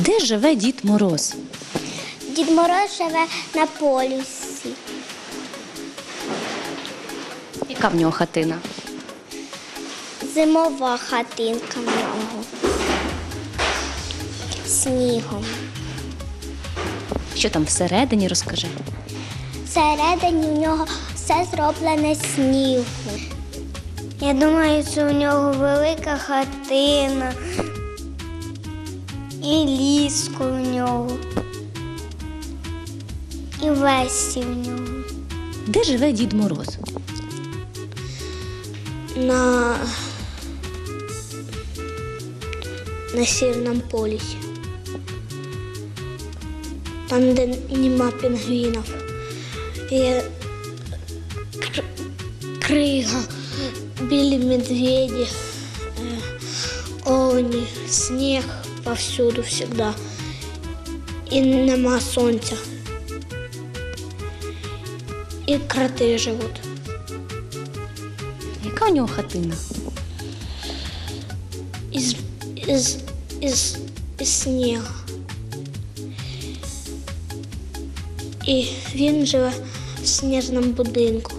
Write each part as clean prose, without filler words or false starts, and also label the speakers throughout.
Speaker 1: Де живе Дід Мороз?
Speaker 2: Дід Мороз живе на полюсі.
Speaker 1: Яка в нього хатина?
Speaker 2: Зимова хатинка в нього. Снігом.
Speaker 1: Що там всередині, розкажи.
Speaker 2: Всередині у нього все зроблене з снігу. Я думаю, що у нього велика хатина. І ліжко у нього. І весі в нього.
Speaker 1: Де живе Дід Мороз?
Speaker 2: На Северном полюсі. Там, де нема пінгвінів. Є крига, білі медведі, овні, сніг повсюду завжди. І нема сонця. І кроти живуть.
Speaker 1: Яка у нього хатина?
Speaker 2: Із снігу. І він живе в сніжному будинку.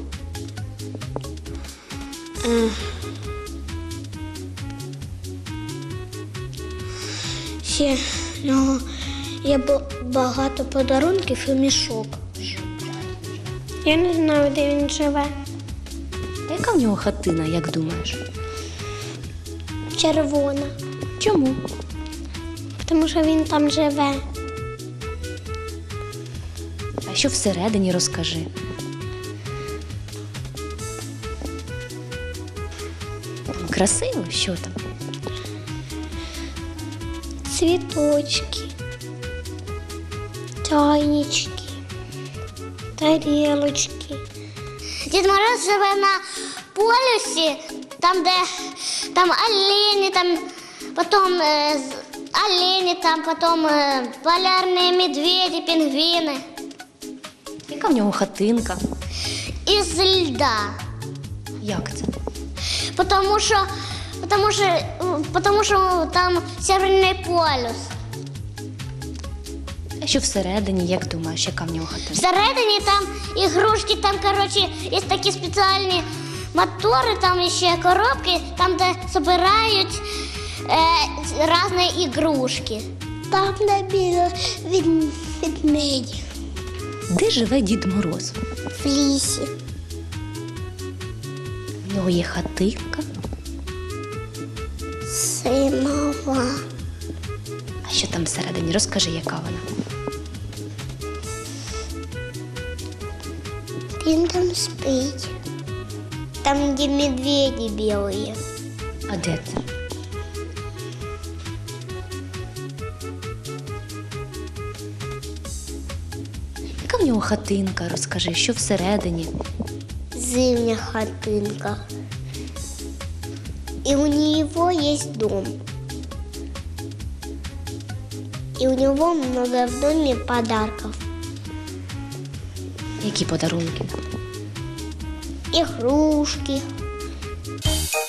Speaker 2: Ще в нього є багато подарунків і мішок. Я не знаю, де він живе.
Speaker 1: Яка в нього хатина, як думаєш?
Speaker 2: Червона.
Speaker 1: Чому?
Speaker 2: Тому що він там живе.
Speaker 1: А що всередині, розкажи. Там красиво? Що там?
Speaker 2: Цвіточки, чайнички, тарілочки. Дід Мороз живе на полюсі, там, де там олені, там потім олені, там потім полярні медведі, пінгвіни.
Speaker 1: Яка в нього хатинка?
Speaker 2: Із льда.
Speaker 1: Як це?
Speaker 2: Потому що там Северний полюс.
Speaker 1: А що всередині, як думаєш, яка в нього хатина?
Speaker 2: Всередині там ігрушки, там, коротше, є такі спеціальні мотори, там ще коробки, там, де збирають різні ігрушки. Там, де біля ведмедів.
Speaker 1: Де живе Дід Мороз?
Speaker 2: В лісі.
Speaker 1: В нього є хатинка.
Speaker 2: Зимова.
Speaker 1: А що там всередині? Розкажи, яка вона?
Speaker 2: Він там спить. Там, де медведі білі.
Speaker 1: А де це? Яка в нього хатинка? Розкажи, що всередині?
Speaker 2: Зимняя хатинка. И у него есть дом. И у него много в доме подарков.
Speaker 1: Які подарунки?
Speaker 2: Игрушки.